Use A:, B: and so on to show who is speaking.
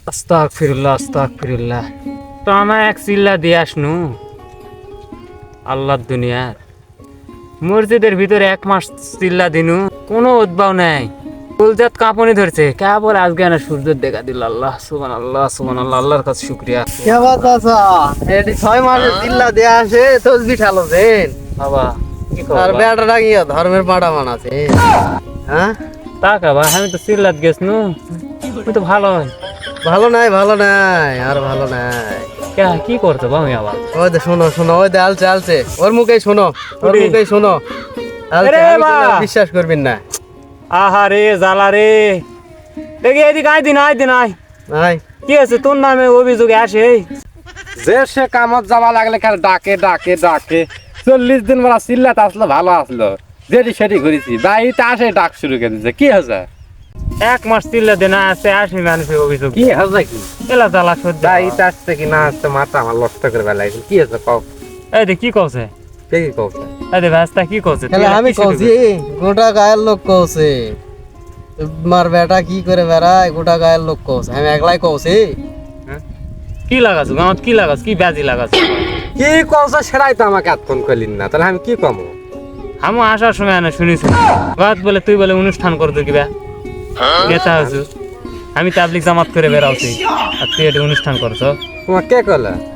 A: আস্তাগফিরুল্লাহ আস্তাগফিরুল্লাহ। টানা এক চিল্লা দিয়ে আসনু আল্লাহর দুনিয়ার মসজিদের ভিতরে 1 মাস চিল্লা দিনু কোনো উদ্ভাব নাই। ফুলজাত কাঁপনি ধরছে কেবল আজকে না সূর্যের দেখা দিল। আল্লাহ সুবহানাল্লাহ সুবহানাল্লাহ, আল্লাহর কাছে শুকরিয়া।
B: কে বাতাসা এটি 6 মাসের চিল্লা দেয়া আসে তসবি ঠালো দেন
A: বাবা কি
B: আর
A: করবা?
B: বেটাটা গিয়া ধর্মের পাড়া মানাছে। হ্যাঁ
A: টাকা বা আমি তো চিল্লাত গেছনু, তুই তো ভালো হয়।
B: ভালো নাই আর ভালো নাই।
A: কি করছো বাবা আবার?
B: ওই দে শোনো শোনো, ওই দে আলছে আলছে, ওর মুখেই শোনো, ওর
A: ওরে।
B: মুখেই শোনো। আলছে,
A: আরে
B: আমি
A: মা।
B: বললে বিশ্বাস করবেন না।
A: আহারে জ্বালা রে, দেখি এদিকে আইদিন আইদিন আয়।
B: নাই
A: কি আছে তোর নামে অভিযোগ আসে?
C: যে সে কামত যাওয়া লাগলে খালি ডাকে ডাকে ডাকে 40 দিন বেলা চিল্লাতে আসলো ভালো আসলো, যেটি সেটি ঘুরেছি বাড়িতে আসে ডাক শুরু করে দিচ্ছে। কি হয়েছে?
A: 1 মাস চিল্লা দেনা আছে, আসে মানুষের অভিযোগ।
C: কি হয়েছে? কি
A: এলা জ্বালা সহ্য।
C: বাড়িতে আসছে কি না আসছে মাথা আমার নষ্ট করে বেলাইছে। কি হয়েছে কও?
A: এই দে কি কওছে?
C: কে কি কওছে?
A: এই দে ভাস্তা কি কওছে?
B: তাহলে আমি কইছি গোটা গায়ের লোক কইছে, মার বেটা কি করে বেড়ায়, গোটা গায়ের লোক কইছে, আমি একলাই কইছি।
A: কি লাগাছ গাঁত? কি লাগাছ? কি বাজি লাগাছ?
C: কি কওছে সেটাই তো আমাকে এতক্ষণ কইলিন না, তাহলে আমি কি কমো?
A: আমি আসার সময় না শুনেছি গাঁত বলে তুই বলে অনুষ্ঠান করতো কিবা নেতা হয়েছু, আমি তাবলিক জামাত করে বেড়াচ্ছি আর তুই এটা অনুষ্ঠান করছো।
C: তোমার কে কইলা?